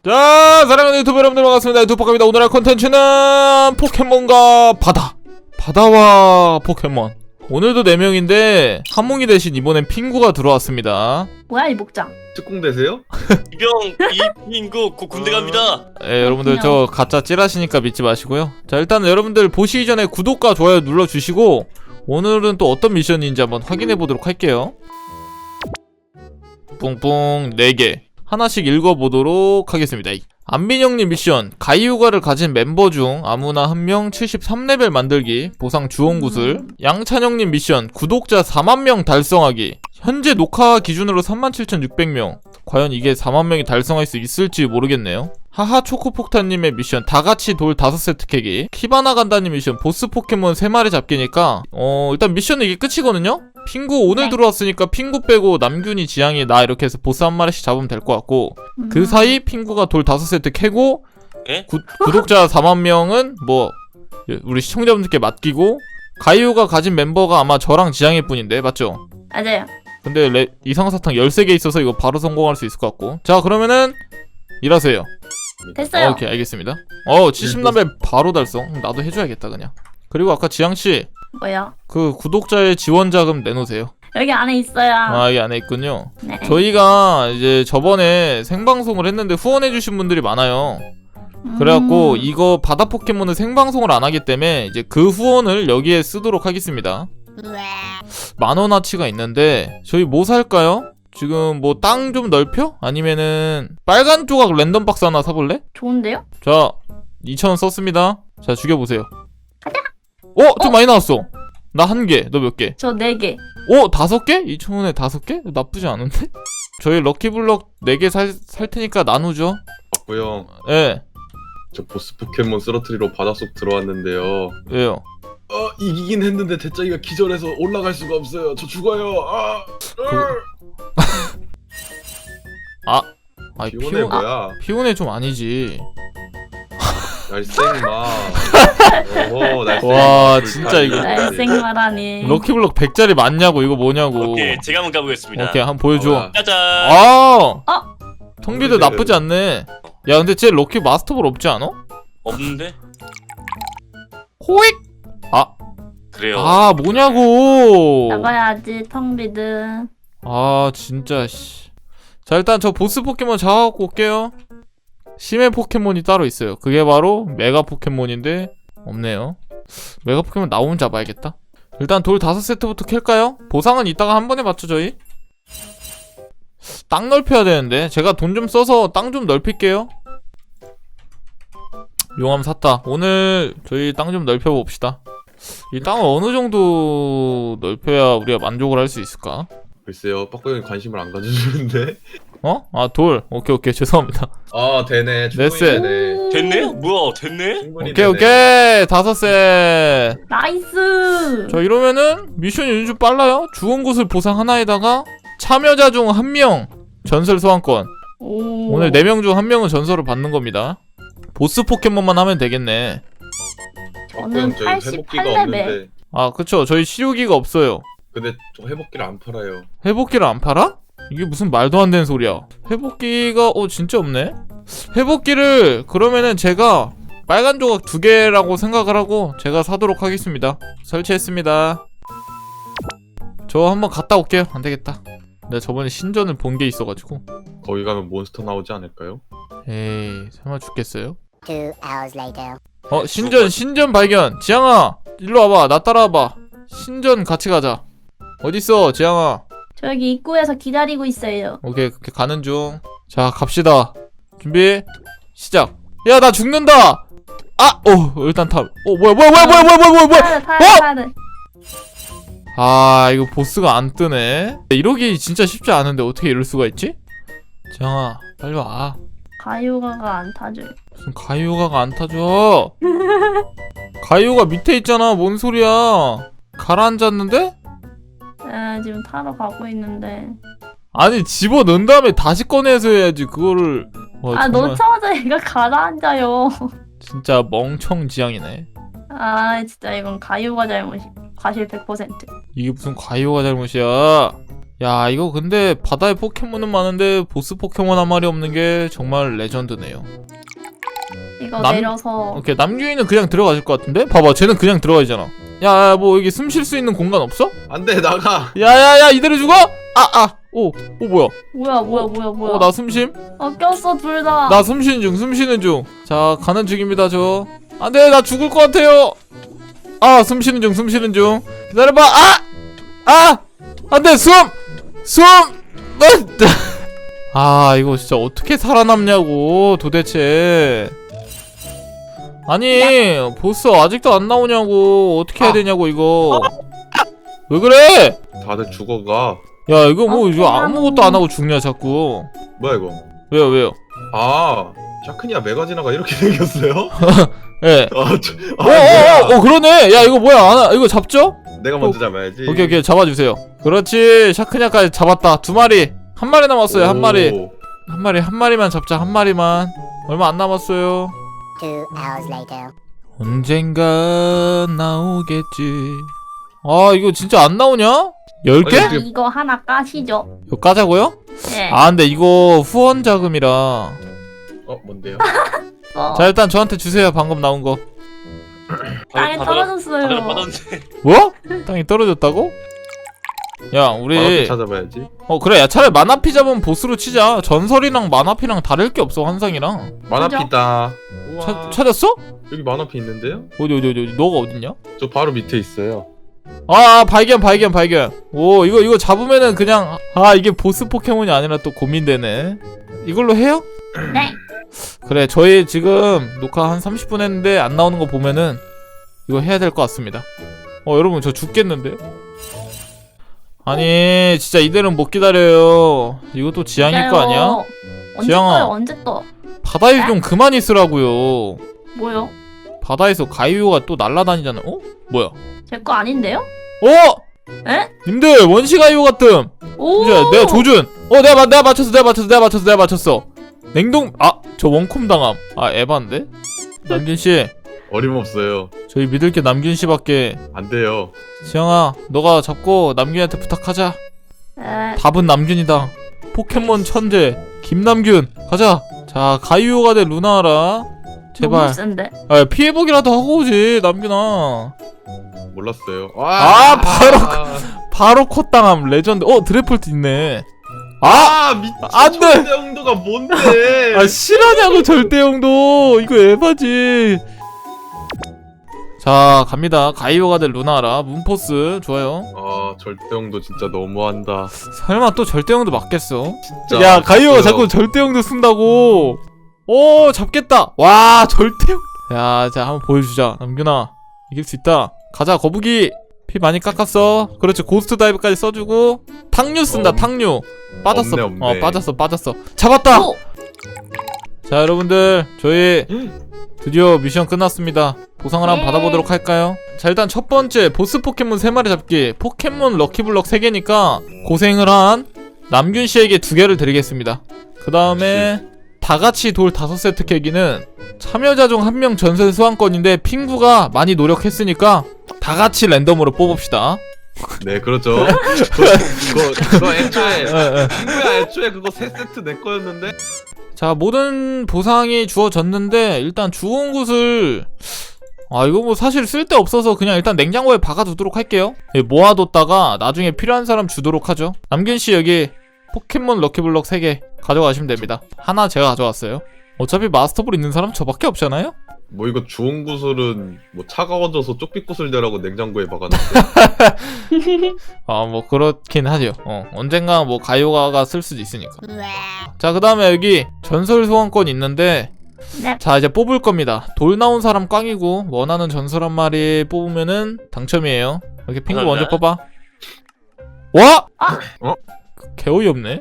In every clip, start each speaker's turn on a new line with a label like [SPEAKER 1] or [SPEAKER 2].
[SPEAKER 1] 자, 사랑하는 유튜브 여러분들 반갑습니다. 유튜브입니다. 오늘 할 콘텐츠는 포켓몬과 바다와 포켓몬. 오늘도 4명인데 한몽이 대신 이번엔 핑구가 들어왔습니다.
[SPEAKER 2] 뭐야 이 목장?
[SPEAKER 3] 특공대세요?
[SPEAKER 4] 이병 이인구 곧 군대 갑니다.
[SPEAKER 1] 여러분들 저 가짜 찌라시니까 믿지 마시고요. 자, 일단 여러분들 보시기 전에 구독과 좋아요 눌러주시고 오늘은 또 어떤 미션인지 한번 확인해 보도록 할게요. 뿡뿡 4개 하나씩 읽어보도록 하겠습니다. 안민영님 미션, 가이유가를 가진 멤버 중 아무나 한 명 73레벨 만들기, 보상 주원구슬. 양찬영님 미션, 구독자 4만명 달성하기, 현재 녹화 기준으로 37,600명. 과연 이게 4만명이 달성할 수 있을지 모르겠네요. 하하 초코폭탄님의 미션, 다같이 돌 5세트 캐기. 키바나 간다님 미션, 보스 포켓몬 3마리 잡기니까 일단 미션은 이게 끝이거든요? 핑구 오늘 들어왔으니까 핑구 빼고 남균이, 지향이, 나 이렇게 해서 보스 한 마리씩 잡으면 될 것 같고, 그 사이 핑구가 돌 5세트 캐고 구독자 4만명은 뭐 우리 시청자분들께 맡기고, 가이오가 가진 멤버가 아마 저랑 지향일 뿐인데 맞죠?
[SPEAKER 2] 맞아요.
[SPEAKER 1] 근데 이상사탕 13개 있어서 이거 바로 성공할 수 있을 것 같고. 자, 그러면은 일하세요.
[SPEAKER 2] 됐어요.
[SPEAKER 1] 오케이, 알겠습니다. 70레벨 바로 달성. 나도 해줘야겠다 그냥. 그리고 아까 지향씨,
[SPEAKER 2] 뭐야?
[SPEAKER 1] 그 구독자의 지원 자금 내놓으세요.
[SPEAKER 2] 여기 안에 있어요.
[SPEAKER 1] 이 안에 있군요.
[SPEAKER 2] 네.
[SPEAKER 1] 저희가 이제 저번에 생방송을 했는데 후원해주신 분들이 많아요. 그래갖고 이거 바다 포켓몬은 생방송을 안 하기 때문에 이제 그 후원을 여기에 쓰도록 하겠습니다. 10,000원어치가 있는데 저희 뭐 살까요? 지금 뭐 땅 좀 넓혀? 아니면은 빨간 조각 랜덤 박스 하나 사볼래?
[SPEAKER 2] 좋은데요?
[SPEAKER 1] 자, 2,000원 썼습니다. 자, 죽여보세요. 좀 많이 나왔어. 나 1개, 너 몇 개?
[SPEAKER 2] 저 4개.
[SPEAKER 1] 5개? 2,000원에 5개? 나쁘지 않은데? 저희 럭키블럭 4개 살 테니까 나누죠.
[SPEAKER 3] 고요.
[SPEAKER 1] 예.
[SPEAKER 3] 저 보스 포켓몬 쓰러트리로 바닷속 들어왔는데요.
[SPEAKER 1] 왜요?
[SPEAKER 3] 이기긴 했는데 대짜기가 기절해서 올라갈 수가 없어요. 저 죽어요. 피곤해 뭐야?
[SPEAKER 1] 피곤해 좀 아니지.
[SPEAKER 3] 날쌘마. 오호, 날쌘마.
[SPEAKER 1] 와, 진짜 이거.
[SPEAKER 2] 날생마라니.
[SPEAKER 1] 럭키블럭 100짜리 맞냐고, 이거 뭐냐고.
[SPEAKER 4] 오케이, 제가 한번 가보겠습니다.
[SPEAKER 1] 오케이, 한번 보여줘.
[SPEAKER 4] 짜잔.
[SPEAKER 1] 통비도 나쁘지 않네. 야, 근데 쟤 럭키 마스터볼 없지 않아?
[SPEAKER 4] 없는데?
[SPEAKER 1] 호익!
[SPEAKER 4] 그래요.
[SPEAKER 1] 뭐냐고.
[SPEAKER 2] 나가야지 텅비드.
[SPEAKER 1] 진짜 씨. 자, 일단 저 보스 포켓몬 잡아갖고 올게요. 심해 포켓몬이 따로 있어요. 그게 바로 메가 포켓몬인데 없네요. 메가 포켓몬 나오면 잡아야겠다. 일단 돌 5세트부터 캘까요? 보상은 이따가 한 번에 맞죠 저희? 땅 넓혀야 되는데 제가 돈 좀 써서 땅 좀 넓힐게요. 용암 샀다. 오늘 저희 땅 좀 넓혀봅시다. 이 땅을 어느 정도 넓혀야 우리가 만족을 할 수 있을까?
[SPEAKER 3] 글쎄요, 빡빡이 관심을 안 가져주는데.
[SPEAKER 1] 돌. 오케이, 죄송합니다.
[SPEAKER 3] 되네.
[SPEAKER 1] 넷셋.
[SPEAKER 3] 충분히 되네.
[SPEAKER 4] 됐네? 뭐야, 됐네?
[SPEAKER 3] 충분히
[SPEAKER 1] 오케이.
[SPEAKER 3] 되네.
[SPEAKER 1] 5셋.
[SPEAKER 2] 나이스.
[SPEAKER 1] 자, 이러면은 미션이 요즘 좀 빨라요. 주원 곳을 보상 하나에다가 참여자 중 1명 전설 소환권. 오늘 4명 중 1명은 전설을 받는 겁니다. 보스 포켓몬만 하면 되겠네.
[SPEAKER 2] 저는
[SPEAKER 3] 저희 회복기가
[SPEAKER 2] 88레벨.
[SPEAKER 3] 없는데.
[SPEAKER 1] 그쵸. 저희 치료기가 없어요.
[SPEAKER 3] 근데 저 회복기를 안 팔아요.
[SPEAKER 1] 회복기를 안 팔아? 이게 무슨 말도 안 되는 소리야. 회복기가 진짜 없네. 회복기를 그러면은 제가 빨간 조각 2개라고 생각을 하고 제가 사도록 하겠습니다. 설치했습니다. 저 한번 갔다 올게요. 안 되겠다. 내가 저번에 신전을 본 게 있어가지고.
[SPEAKER 3] 거기 가면 몬스터 나오지 않을까요?
[SPEAKER 1] 에이, 설마 죽겠어요?
[SPEAKER 5] 2 hours later.
[SPEAKER 1] 신전 발견. 지향아, 일로 와봐. 나 따라와봐. 신전 같이 가자. 어딨어, 지향아?
[SPEAKER 2] 저 여기 입구에서 기다리고 있어요.
[SPEAKER 1] 오케이, 그렇게 가는 중. 자, 갑시다. 준비, 시작. 야, 나 죽는다. 일단 탑. 뭐야.
[SPEAKER 2] 타야.
[SPEAKER 1] 이거 보스가 안 뜨네. 이러기 진짜 쉽지 않은데 어떻게 이럴 수가 있지? 지향아, 빨리 와.
[SPEAKER 2] 가요가가 안 타줘요.
[SPEAKER 1] 무슨 가이오가가 안 타줘. 가이오가 밑에 있잖아. 뭔 소리야. 가라앉았는데?
[SPEAKER 2] 지금 타러 가고 있는데.
[SPEAKER 1] 아니, 집어넣은 다음에 다시 꺼내서 해야지 그거를. 정말
[SPEAKER 2] 놓자마자 얘가 가라앉아요.
[SPEAKER 1] 진짜 멍청지향이네.
[SPEAKER 2] 진짜 이건 가요가 잘못이. 과실 100%.
[SPEAKER 1] 이게 무슨 가이오가 잘못이야. 야 이거 근데 바다에 포켓몬은 많은데 보스 포켓몬 한 마리 없는 게 정말 레전드네요.
[SPEAKER 2] 이거
[SPEAKER 1] 남-
[SPEAKER 2] 내려서
[SPEAKER 1] 오케이 남규이는 그냥 들어가실 것 같은데? 봐봐 쟤는 그냥 들어가잖아. 야 뭐 여기 숨 쉴 수 있는 공간 없어?
[SPEAKER 3] 안돼 나가.
[SPEAKER 1] 야야야 이대로 죽어? 오 뭐야?
[SPEAKER 2] 뭐야
[SPEAKER 1] 나 숨쉼?
[SPEAKER 2] 꼈어 둘다
[SPEAKER 1] 나 숨쉬는 중. 자 가는 중입니다 저. 안돼 나 죽을 것 같아요. 숨쉬는 중. 기다려봐. 안돼 숨. 이거 진짜 어떻게 살아남냐고 도대체. 아니 보스 아직도 안 나오냐고. 어떻게 해야 되냐고 이거. 왜 그래?
[SPEAKER 3] 다들 죽어가.
[SPEAKER 1] 야 이거 뭐 이거 아무것도 안 하고 죽냐 자꾸.
[SPEAKER 3] 뭐야 이거?
[SPEAKER 1] 왜요?
[SPEAKER 3] 샤크니아 메가지나가 이렇게 생겼어요?
[SPEAKER 1] 예.
[SPEAKER 3] 뭐야?
[SPEAKER 1] 그러네. 야 이거 뭐야? 이거 잡죠?
[SPEAKER 3] 내가 먼저 잡아야지.
[SPEAKER 1] 오케이 잡아주세요. 그렇지 샤크냐까지 잡았다. 2마리. 한 마리 남았어요. 한 마리만 잡자. 한 마리만. 얼마 안 남았어요.
[SPEAKER 5] 2 hours later.
[SPEAKER 1] 언젠가 나오겠지. 이거 진짜 안 나오냐? 10개?
[SPEAKER 3] 아니,
[SPEAKER 2] 이거 하나 까시죠.
[SPEAKER 1] 이거 까자고요?
[SPEAKER 2] 네.
[SPEAKER 1] 근데 이거 후원 자금이라.
[SPEAKER 3] 뭔데요?
[SPEAKER 1] 자 일단 저한테 주세요. 방금 나온 거.
[SPEAKER 2] 땅에 떨어졌어요.
[SPEAKER 4] 바다를 빠졌는데.
[SPEAKER 1] 뭐? 땅이 떨어졌다고? 야 우리
[SPEAKER 3] 마나피 찾아봐야지.
[SPEAKER 1] 그래 야 차라리 마나피 잡으면 보스로 치자. 전설이랑 마나피랑 다를 게 없어 환상이랑.
[SPEAKER 3] 마나피다. 우와.
[SPEAKER 1] 찾았어?
[SPEAKER 3] 여기 마나피 있는데요?
[SPEAKER 1] 어디 너가 어딨냐?
[SPEAKER 3] 저 바로 밑에 있어요.
[SPEAKER 1] 발견. 오 이거 잡으면은 그냥 이게 보스 포켓몬이 아니라 또 고민되네. 이걸로 해요?
[SPEAKER 2] 네.
[SPEAKER 1] 그래 저희 지금 녹화 한 30분 했는데 안 나오는 거 보면은 이거 해야 될 것 같습니다. 여러분 저 죽겠는데요? 아니 진짜 이대로는 못 기다려요. 이것도 지향일 거 아니야?
[SPEAKER 2] 언제
[SPEAKER 1] 지향아.
[SPEAKER 2] 떠요? 언제 떠?
[SPEAKER 1] 바다에 좀 그만 있으라고요.
[SPEAKER 2] 뭐요?
[SPEAKER 1] 바다에서 가이오가 또 날아다니잖아. 뭐야?
[SPEAKER 2] 제 거 아닌데요? 에?
[SPEAKER 1] 님들 원시 가이오 같음.
[SPEAKER 2] 오.
[SPEAKER 1] 이제 내가 조준. 내가 맞췄어. 냉동. 저 원콤 당함. 에반데? 남균 씨,
[SPEAKER 3] 어림없어요.
[SPEAKER 1] 저희 믿을 게 남균 씨밖에.
[SPEAKER 3] 안 돼요.
[SPEAKER 1] 지영아, 너가 잡고 남균한테 부탁하자.
[SPEAKER 2] 에.
[SPEAKER 1] 답은 남균이다. 포켓몬 천재 김남균. 가자. 자, 가이오가 돼 루나라. 제발.
[SPEAKER 2] 너무 센데.
[SPEAKER 1] 피해보기라도 하고 오지 남균아.
[SPEAKER 3] 몰랐어요.
[SPEAKER 1] 바로 컷당함 레전드. 드래폴트 있네.
[SPEAKER 3] 미친.
[SPEAKER 1] 안 돼!
[SPEAKER 3] 초대형도가 뭔데?
[SPEAKER 1] 실화냐고 절대형도. 이거 에바지. 자 갑니다. 가이오가 될 루나라 문포스 좋아요.
[SPEAKER 3] 절대형도 진짜 너무한다.
[SPEAKER 1] 설마 또 절대형도 맞겠어?
[SPEAKER 3] 진짜.
[SPEAKER 1] 야 가이오가
[SPEAKER 3] 진짜요.
[SPEAKER 1] 자꾸 절대형도 쓴다고. 잡겠다. 와 절대형. 야 자 한번 보여주자. 남균아 이길 수 있다. 가자 거북이. 피 많이 깎았어. 그렇지 고스트 다이브까지 써주고. 탕류 쓴다. 탕류 빠졌어.
[SPEAKER 3] 없네.
[SPEAKER 1] 빠졌어. 잡았다. 자 여러분들 저희 드디어 미션 끝났습니다. 보상을 한번
[SPEAKER 2] 예.
[SPEAKER 1] 받아보도록 할까요? 자 일단 첫 번째 보스 포켓몬 3마리 잡기. 포켓몬 럭키블럭 3개니까 고생을 한 남균씨에게 2개를 드리겠습니다. 그 다음에 다같이 돌 5세트 캐기는 참여자 중 1명 전설 소환권인데 핑구가 많이 노력했으니까 다같이 랜덤으로 뽑읍시다.
[SPEAKER 3] 네 그렇죠. 그거 애초에
[SPEAKER 1] 예.
[SPEAKER 3] 친구야 애초에 그거 3세트 내 거였는데.
[SPEAKER 1] 자 모든 보상이 주어졌는데 일단 주운 곳을 이거 뭐 사실 쓸데없어서 그냥 일단 냉장고에 박아두도록 할게요. 모아뒀다가 나중에 필요한 사람 주도록 하죠. 남균씨 여기 포켓몬 럭키블럭 3개 가져가시면 됩니다. 하나 제가 가져왔어요. 어차피 마스터볼 있는 사람 저밖에 없잖아요?
[SPEAKER 3] 뭐 이거 주운 구슬은 뭐 차가워져서 쪽빛 구슬 되라고 냉장고에 박아놨어.
[SPEAKER 1] 뭐 그렇긴 하죠. 언젠가 뭐 가요가가 쓸 수도 있으니까.
[SPEAKER 5] Wow.
[SPEAKER 1] 자 그 다음에 여기 전설 소환권 있는데
[SPEAKER 2] 네.
[SPEAKER 1] 자 이제 뽑을 겁니다. 돌 나온 사람 꽝이고 원하는 전설 한 마리 뽑으면은 당첨이에요. 이렇게 핑구 먼저 뽑아. 와! 개 어이없네.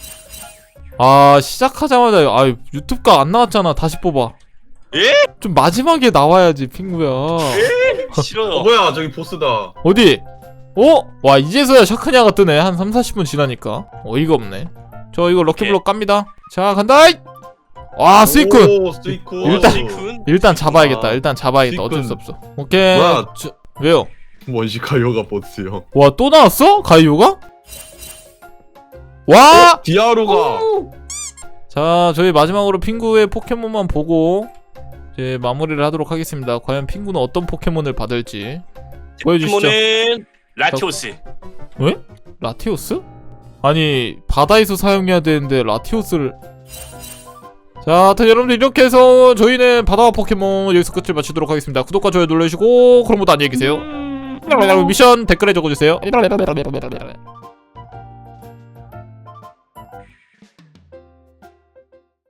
[SPEAKER 1] 시작하자마자 유튜브가 안 나왔잖아. 다시 뽑아.
[SPEAKER 4] 예?
[SPEAKER 1] 좀 마지막에 나와야지 핑구야.
[SPEAKER 4] 싫어요.
[SPEAKER 3] 뭐야 저기 보스다.
[SPEAKER 1] 어디? 와 이제서야 샤크냐가 뜨네. 한 3-40분 지나니까. 어이가 없네. 저 이거 럭키블럭 깝니다. 자 간다. 와 스이쿤.
[SPEAKER 3] 오 스이쿤.
[SPEAKER 1] 일단-
[SPEAKER 4] 시쿤?
[SPEAKER 1] 일단 잡아야겠다. 어쩔
[SPEAKER 3] 스이쿤.
[SPEAKER 1] 수 없어. 오케이.
[SPEAKER 3] 뭐야?
[SPEAKER 1] 왜요?
[SPEAKER 3] 원시 가요가 보스요.
[SPEAKER 1] 와 또 나왔어? 가이오가? 와!
[SPEAKER 3] 디아루가
[SPEAKER 2] 오!
[SPEAKER 1] 자, 저희 마지막으로 핑구의 포켓몬만 보고 이제 마무리를 하도록 하겠습니다. 과연 핑구는 어떤 포켓몬을 받을지 보여주시죠.
[SPEAKER 4] 포켓몬은 라티오스.
[SPEAKER 1] 왜? 라티오스? 아니 바다에서 사용해야 되는데 라티오스를. 자, 하여튼 여러분들 이렇게 해서 저희는 바다 포켓몬 여기서 끝을 마치도록 하겠습니다. 구독과 좋아요 눌러주시고 그럼 모두 안녕히 계세요. 미션 댓글에 적어주세요.